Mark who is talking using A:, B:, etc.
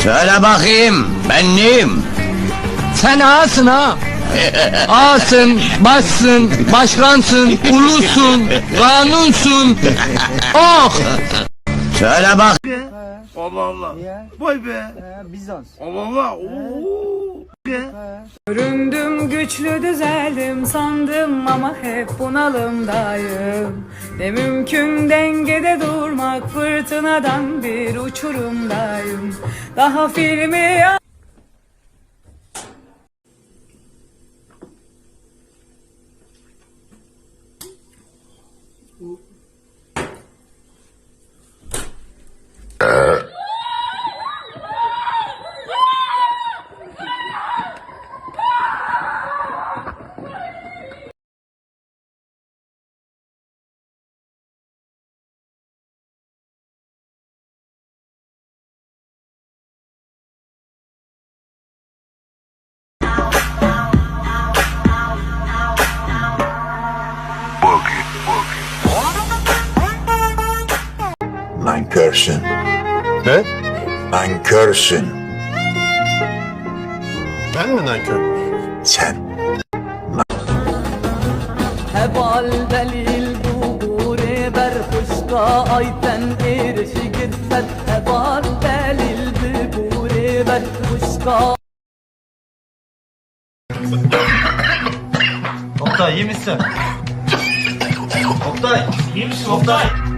A: Söyle bakayım, ben neyim?
B: Sen ağasın ha. Ağasın, başsın, başkansın, ulusun, kanunsun. Oh!
A: Söyle bak.
C: Allah Allah. Vay be.
B: Bizans.
C: Allah Allah. Oo.
D: Göründüm güçlü düzeldim sandım ama hep bunalımdayım. Ne mümkün dengede durmak, fırtınadan bir uçurumdayım. Daha filmi
E: Nankörsün.
F: Ne?
E: Nankörsün.
F: Ben mi nankör?
E: Sen.
D: hebal delil dubure ber kuşka ayten erişi gitsen hebal delil dubure ber kuşka.
G: Oktay iyi misin? Oktay iyi misin Oktay?